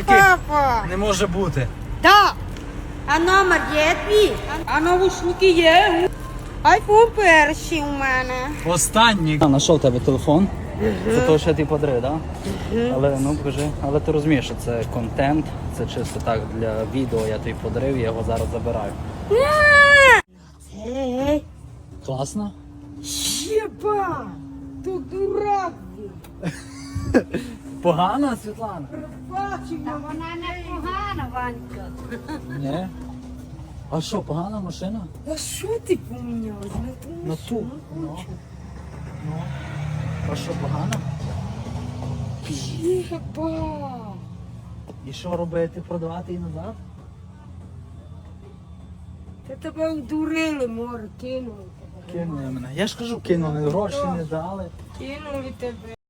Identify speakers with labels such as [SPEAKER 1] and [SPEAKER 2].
[SPEAKER 1] папа.
[SPEAKER 2] Не може бути.
[SPEAKER 1] Так. А номер є твій? А навушники є? Айфон перший у мене.
[SPEAKER 2] Останній. Знайшов тебе телефон. Це того, що ти подарив, так? Але ну покажи. Але ти розумієш, що це контент, це чисто так для відео, я тобі подарив, я його зараз забираю.
[SPEAKER 1] Ей,
[SPEAKER 2] Класно?
[SPEAKER 1] єба, то дурак.
[SPEAKER 2] Погано, Світлана?
[SPEAKER 1] Бачив,
[SPEAKER 3] Вона не погана, Ванька.
[SPEAKER 2] Ні. А що, погана машина?
[SPEAKER 1] а що ти поміняв?
[SPEAKER 2] На ту. Ну. А що, погано?
[SPEAKER 1] Єба.
[SPEAKER 2] І що робити? Продавати її назад?
[SPEAKER 1] Та тебе удурили, море, кинули тебе.
[SPEAKER 2] Кинули мене. Я ж кажу, кинули, гроші не дали.
[SPEAKER 1] Кинули тебе.